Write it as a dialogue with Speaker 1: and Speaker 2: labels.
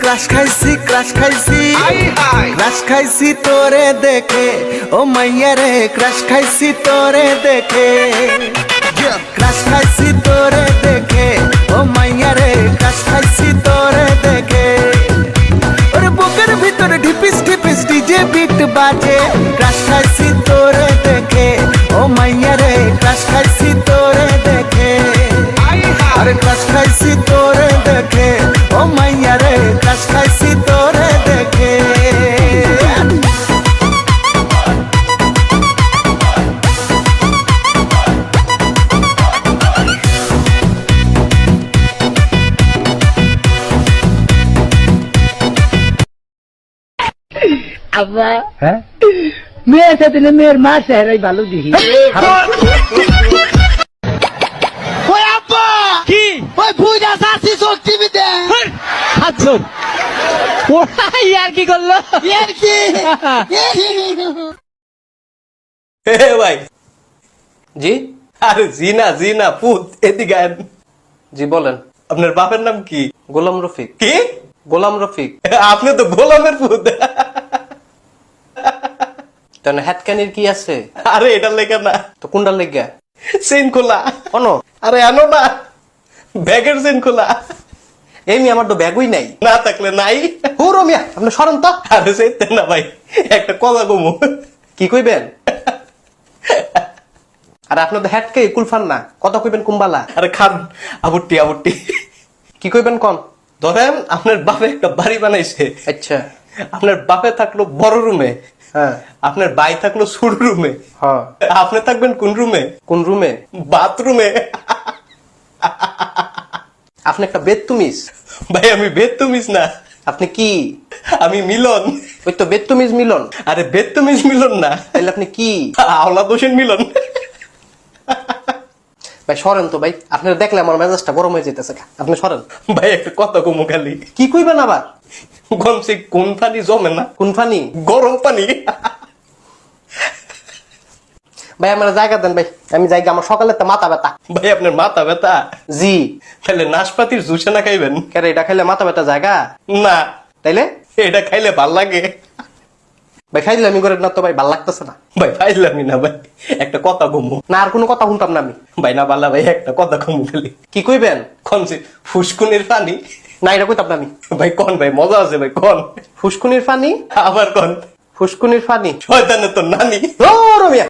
Speaker 1: Crush খাইছি crush খাইছি তোরে দেখে ও মাইয়া রে ক্রাশ খাইছি তোরে দেখে ক্রাশ খাইছি তোরে দেখে ও মাইয়া রে ক্রাশ খাইছি তোরে দেখে ওরে বুকের ভিতরে ঢিপিস ঢিপিস ডিজে বিট বাজে ক্রাশ খাইছি তোরে দেখে ও মাইয়া রে ক্রাশ খাইছি তোরে দেখে আরে ক্রাশ খাইছি তোরে দেখে ও মাইয়া রে ক্রাশ খাইছি তোরে দেখে
Speaker 2: আব্বা
Speaker 3: হ্যাঁ
Speaker 2: মেয়ের সাথে না মেয়ের মার চেহারাই ভালো দেখি।
Speaker 3: ওই আব্বা
Speaker 4: কি
Speaker 3: ওই পূজা সাসি সব টিভিতে
Speaker 4: হাতজন ওরাই আর কি করলো
Speaker 3: এর কি
Speaker 5: হে ভাই জি আরে জি না পুত এদিকে আয়। জি বলেন আপনার বাপের নাম কি? গোলাম রফিক। কি? গোলাম রফিক। আপনি তো গোলামের পুত। তাহলে হ্যাটকানির কি আছে? আরে এটার লেগা না তো কোনটার লেগা? চেইন খোলা অনো। আরে আনো না ব্যাগের চেইন খোলা। এমনি আমার তো ব্যাগই নাই, না থাকলে নাই। হুরো মিয়া আপনি সরেন তো। আরে সেইতে না ভাই একটা কথা কমু। কি কইবেন? আর আপনার তো হ্যাটকে কুলফান না, কথা কইবেন কুম্বালা। আরে খান আবুটি কি কইবেন কোন? ধরেন আপনার বাপে একটা বাড়ি বানাইছে। আচ্ছা আপনার বাপে থাকলো বড় রুমে, হ্যাঁ আপনার ভাই থাকলো ছোট রুমে, হ্যাঁ আপনি থাকবেন কোন রুমে? কোন রুমে? বাথরুমে। আপনি একটা বেদতুমিজ। ভাই আমি বেদতুমিজ না। আপনি কি? আমি মিলন। ওই তো বেদতুমিজ মিলন। আরে বেদতুমিজ মিলন না, তাহলে আপনি কি? আওলাদ হোসেন মিলন। ভাই সরেন তো ভাই, আপনারা দেখলে আমার মেজাজটা গরম হয়ে যেতেছে। আপনি সরেন ভাই, একটা কথা কমু খালি। কি কইবেন আবার? গমছে কোন পানি জমে না? কোন পানি? গরম পানি। ভাই আমার জায়গা দেন ভাই, আমি জায়গা, আমার সকালে তো মাথা ব্যথা। ভাই আপনার মাথা ব্যথা? জি। তাহলে নাশপাতির জুস না খাইবেন? কেন এটা খাইলে মাথা ব্যথা জায়গা না? তাইলে এটা খাইলে ভাল লাগে। ভাই খাইলে আমি করে না তো ভাই, ভাল লাগতেছে না ভাই। খাইলামই না ভাই, একটা কথা কমু না। আর কোনো কথা শুনতাম না আমি ভাই। না পারলা ভাই একটা কথা কমু খালি। কি কইবেন? কনছে ফুসকুনির পানি? না এটা কইতাম না আমি ভাই। কোন ভাই মজা আছে ভাই, কোন ফুসকুনির পানি? আবার কোন ফুসকুনির পানি? শয়তানের তো নানি। ও রমিয়া